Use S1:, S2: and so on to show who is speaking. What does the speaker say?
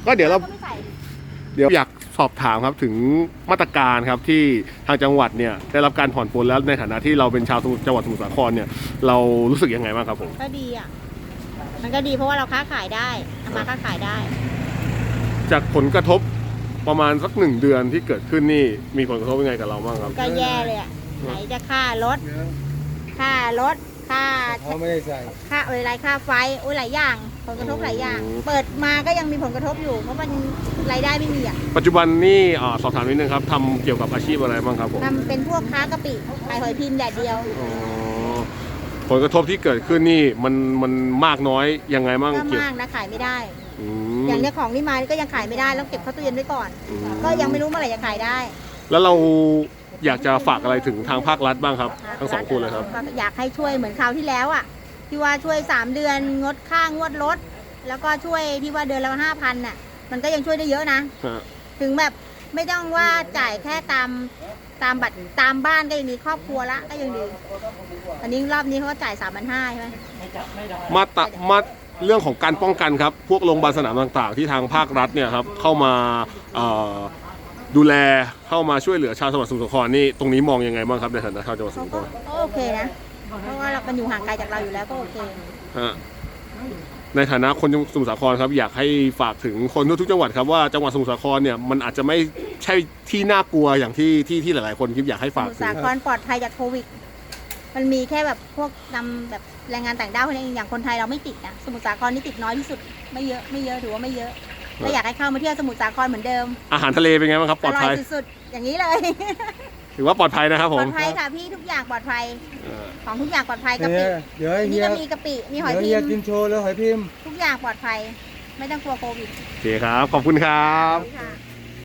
S1: ก็เดี๋ยวอยากสอบถามครับถึงมาตรการครับที่ทางจังหวัดเนี่ยได้รับการผ่อนปลนแล้วในฐานะที่เราเป็นชาวจังหวัดสมุทรสาครเนี่ยเรารู้สึกยังไงบ้างครับผม
S2: ก็ดีอ่ะมันก็ดีเพราะว่าเราค้าขายได้ทำมาค้าขายได้
S1: จากผลกระทบประมาณสัก1 เดือนที่เกิดขึ้นนี่มีผลกระทบยังไงกับเราบ้างครับ
S2: ก็แย่เลยอ่ะไหนจะค่ารถค่า
S3: ไม่ได้ใส่
S2: ค่าอะไรค่าไฟหลายอย่างผลกระทบหลายอย่างเปิดมาก็ยังมีผลกระทบอยู่เพราะมันรายได้ไม่มีอ่ะ
S1: ปัจจุบันนี่สอบถามนิดนึงครับทำเกี่ยวกับอาชีพอะไรบ้างครับผม
S2: ทำเป็นพวกค้ากะปิขายหอยพิมพ์แดดเดียว
S1: ผลกระทบที่เกิดขึ้นนี่มันมากน้อยยังไงบ้าง
S2: ก็มากนะขายไม่ได้อย่างนี้ของนี่มาก็ยังขายไม่ได้แล้วเก็บเข้าตู้เย็นไว้ก่อนก็ยังไม่รู้เมื่อไหร่จะขายได้
S1: แล้วเราอยากจะฝากอะไรถึงทางภาครัฐบ้างครับทั้ง2 คนเลยครับ
S2: อยากให้ช่วยเหมือนคราวที่แล้วอ่ะที่ว่าช่วย3 เดือนงดค่างวดรถแล้วก็ช่วยที่ว่าเดือนละ5,000น่ะมันก็ยังช่วยได้เยอะนะถึงแบบไม่ต้องว่าจ่ายแค่ตามบัตรตามบ้านก็ยังดีครอบครัวละก็ยังดีอันนี้รอบนี้เขาก็จ่าย3,500ใช่ไหม
S1: มาเรื่องของการป้องกันครับพวกโรงพยาบาลสนามต่างๆที่ทางภาครัฐเนี่ยครับเข้ามาดูแลเข้ามาช่วยเหลือชาวจังหวัดสมุทรสาครนี่ตรงนี้มองยังไงบ้างครับในฐานะชาวจังหวัดสมุทรสาคร
S2: โอเคนะเพราะว่ามันอยู่ห่างไกลจากเราอยู่แล้วก็โอเค
S1: ในฐานะคนสมุทรสาครครับอยากให้ฝากถึงคนทุกจังหวัดครับว่าจังหวัดสมุทรสาครเนี่ยมันอาจจะไม่ใช่ที่น่ากลัวอย่างที่หลายๆคนคิดอยากให้ฝาก
S2: สมุทรสาครปลอดภัยจากโควิดมันมีแค่แบบพวกนำแบบแรงงานต่างด้าวคนนี้อย่างคนไทยเราไม่ติดนะสมุทรสาครนี่ติดน้อยที่สุดไม่เยอะถือว่าไม่เยอะก็อยากให้เข้ามาเที่ยวสมุทรสาครเหมือนเดิม
S1: อาหารทะเลเป็นไงบ้างครับปลอดภัย
S2: สุดๆอย่างนี้เลย
S1: ถือว่าปลอดภัยนะครับผม
S2: ปลอดภัยค่ะพี่ทุกอย่างปลอดภัยของทุกอย่างปลอดภัยกะปินี่ก็มีกะปิมีหอยพิมพ์
S3: กินโชว์แล้วหอยพิมพ์
S2: ทุกอย่างปลอดภัยไม่ต้องกลัวโควิด
S1: โอเคครับขอบคุณครับ